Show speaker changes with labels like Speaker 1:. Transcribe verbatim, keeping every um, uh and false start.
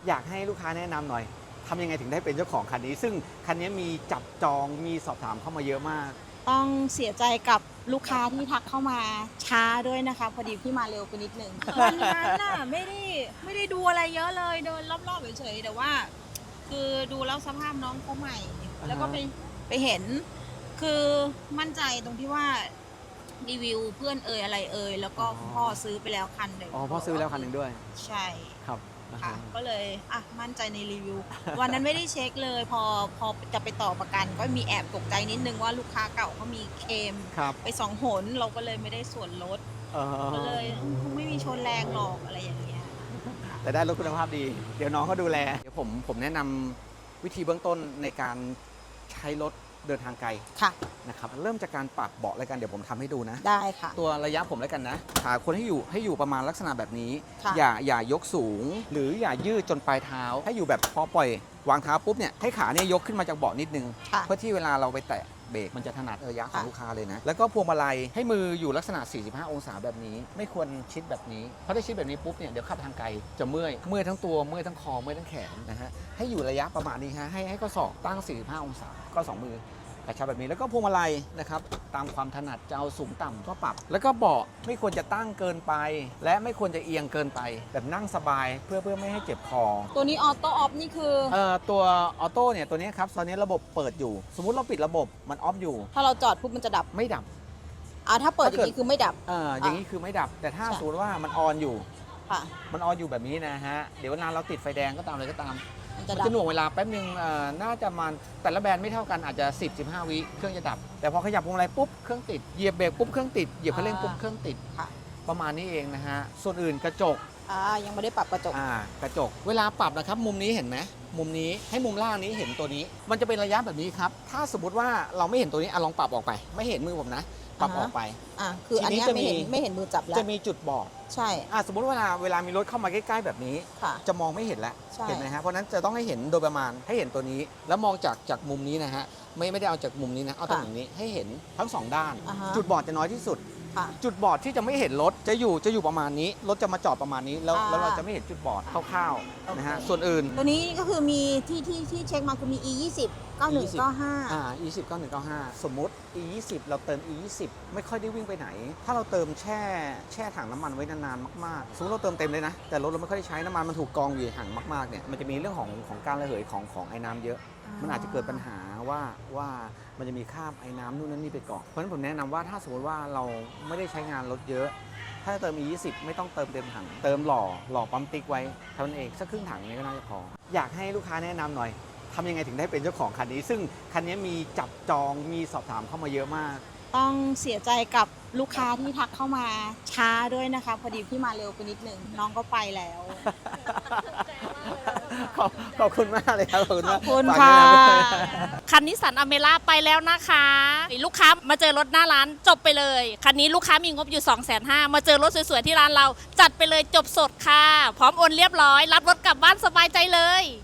Speaker 1: อยากให้ลูกค้าแนะนำหน่อยทำยังไงถึงได้เป็นเจ้าของคันนี้ซึ่งคันนี้มีจับจองมีสอบถามเข้ามาเยอะมาก
Speaker 2: ต้องเสียใจกับลูกค้าที่ทักเข้ามาช้าด้วยนะคะพอดีพี่มาเร็วไปนิดนึงวันนั้นน่ะไม่ได้ไม่ได้ดูอะไรเยอะเลยเดินรอบๆเฉยๆแต่ว่าคือดูแล้วสภาพน้องเขาใหม่แล้วก็ไปไปเห็นคือมั่นใจตรงที่ว่ารีวิวเพื่อนเอ่ยอะไรเอ่ยแล้วก็พ่อซื้อไปแล้วคันหนึ่ง
Speaker 1: อ๋อพ่อซื้อแล้วคันหนึ่งด้วย
Speaker 2: ใช่
Speaker 1: ครับ
Speaker 2: ค่ะก็เลยอ่ะมั่นใจในรีวิววันนั้นไม่ได้เช็คเลยพอพอจะไปต่อประกันก็มีแอบตกใจนิดนึงว่าลูกค้าเก่าเขามีเคมไปสองหนเราก็เลยไม่ได้ส่วนลดก็เลยคงไม่มีชนแรงหรอกอะไรอย่างเงี้ย
Speaker 1: แต่ได้รถคุณภาพดีเดี๋ยวน้องเขาดูแลเดี๋ยวผมผมแนะนำวิธีเบื้องต้นในการใช้รถเดินทางไกล
Speaker 2: ค่ะ
Speaker 1: นะครับเริ่มจากการปรับเบาะแล้วกันเดี๋ยวผมทำให้ดูนะ
Speaker 2: ได้ค่ะ
Speaker 1: ตัวระยะผมแล้วกันนะขาคนให้อยู่ให้อยู่ประมาณลักษณะแบบนี้
Speaker 2: อย่า
Speaker 1: อย่ายกสูงหรืออย่ายืดจนปลายเท้าให้อยู่แบบพอปล่อยวางเท้าปุ๊บเนี่ยให้ขาเนี่ยยกขึ้นมาจากเบาะนิดนึงเพื่อที่เวลาเราไปแตะเบรกมันจะถนัดระยะของลูกค้าเลยนะแล้วก็พวงมาลัยให้มืออยู่ลักษณะสี่สิบห้าองศาแบบนี้ไม่ควรชิดแบบนี้เพราะถ้าชิดแบบนี้ปุ๊บเนี่ยเดี๋ยวขับทางไกลจะเมื่อยเมื่อยทั้งตัวเมื่อยทั้งคอเมื่อยทั้งแขนนะฮะให้อยู่ระยะประมาณนี้ฮะให้ให้ข้อศอกตั้งสี่สิบห้าองศาก็สองมือกระชับแบบนี้แล้วก็พวงมาลัยนะครับตามความถนัดจะเอาสูงต่ำก็ปรับแล้วก็เบาะไม่ควรจะตั้งเกินไปและไม่ควรจะเอียงเกินไปแบบนั่งสบายเพื่อเพื่อไม่ให้เจ็บคอ
Speaker 2: ตัวนี้ออโต้ออฟนี่คือ
Speaker 1: เอ่อตัวออโต้เนี่ยตัวนี้ครับตอนนี้ระบบเปิดอยู่สมมุติเราปิดระบบมันออฟอยู่
Speaker 2: ถ้าเราจอดปุ๊บมันจะดับ
Speaker 1: ไม่ดับ
Speaker 2: อ่าถ้าเปิดอย่างนี้คือไม่ดับ
Speaker 1: เอออย่างนี้คือไม่ดับแต่ถ้าสมมติว่ามันออนอยู่
Speaker 2: ค่ะ
Speaker 1: มันออนอยู่แบบนี้นะฮะเดี๋ยวนานเราติดไฟแดงก็ตามเลยก็ตามมันจะหน่วงเวลาแป๊บนึงน่าจะมันแต่ละแบรนด์ไม่เท่ากันอาจจะ สิบถึงสิบห้า วิเครื่องจะดับแต่พอขยับพวงมาลัยปุ๊บเครื่องติดเหยียบเบรกปุ๊บเครื่องติดเหยียบคันเร่งปุ๊บเครื่องติดประมาณนี้เองนะฮะส่วนอื่นกระจก
Speaker 2: อ่ายังไม่ได้ปรับกระจก
Speaker 1: อ่ากระจกเวลาปรับนะครับมุมนี้เห็นไหมมุมนี้ให้มุมล่างนี้เห็นตัวนี้มันจะเป็นระยะแบบนี้ครับถ้าสมมติว่าเราไม่เห็นตัวนี้อ่ะลองปรับออกไปไม่เห็นมือผมนะปรับออกไป
Speaker 2: อ่าคืออันนี้ไม่เห็นไม่เห็นมือจับแล้ว
Speaker 1: จะมีจุดบอก
Speaker 2: ใช่
Speaker 1: อ่าสมมติเวลาเวลามีรถเข้ามาใกล้ๆแบบนี้จะมองไม่เห็นแล้วเห็นไหมฮะเพราะนั้นจะต้องให้เห็นโดยประมาณให้เห็นตัวนี้แล้วมองจากจากมุมนี้นะฮะไม่ไม่ได้เอาจากมุมนี้นะเอาจากมุมนี้ให้เห็นทั้งสองด้านจุดบอดจะน้อยที่สุดจุดบอดที่จะไม่เห็นรถจะอยู่จะอยู่ประมาณนี้รถจะมาจอดประมาณนี้แล้วแล้วเราจะไม่เห็นจุดบอดคร่าวๆนะฮะส่วนอื่น
Speaker 2: ตัวนี้ก็คือมีที่ที่ที่เช็คมาคือมี อี ยี่สิบ เก้าหนึ่ง เก้าห้า
Speaker 1: อ่า อี ยี่สิบ เก้าหนึ่ง เก้าห้า สมมุติ อี ยี่สิบ เราเติม อี ยี่สิบ ไม่ค่อยได้วิ่งไปไหนถ้าเราเติมแช่แช่ถังน้ำมันไว้นานๆมากๆสมมติเราเติมเต็มเลยนะแต่รถเราไม่ค่อยได้ใช้น้ำมันมันถูกกองอยู่ห่างมากๆเนี่ยมันจะมีเรื่องของของการระเหยของของไอ้น้ำเยอะมันอาจจะเกิดปัญหาว่าว่ามันจะมีคราบไอ้น้ำนู่นนั่นนี่ไปเกาะเพราะฉะนั้นผมแนะนำว่าถ้าสมมติว่าเราไม่ได้ใช้งานรถเยอะถ้าเติม อี ยี่สิบ ไม่ต้องเติมเต็มถังเติมหล่อหล่อปั๊มติ๊กไว้เท่านั้นเองสักครึ่งถังนี้ก็น่าจะพออยากให้ลูกค้าแนะนำหน่อยทำยังไงถึงได้เป็นเจ้าของคันนี้ซึ่งคันนี้มีจับจองมีสอบถามเข้ามาเยอะมาก
Speaker 2: ต้องเสียใจกับลูกค้าที่ทักเข้ามาช้าด้วยนะคะพอดีพี่มาเร็วไปนิดนึงน้องก็ไปแล้ว
Speaker 1: ขอบขอบคุณมากเลยครับขอบคุณมาก
Speaker 2: ขอบคุณค่ะ
Speaker 3: คันนิสสันอเมร่าไปแล้วนะคะลูกค้ามาเจอรถหน้าร้านจบไปเลยคันนี้ลูกค้ามีงบอยู่ สองแสนห้าหมื่น มาเจอรถสวยๆที่ร้านเราจัดไปเลยจบสดค่ะพร้อมโอนเรียบร้อยรับรถกลับบ้านสบายใจเลย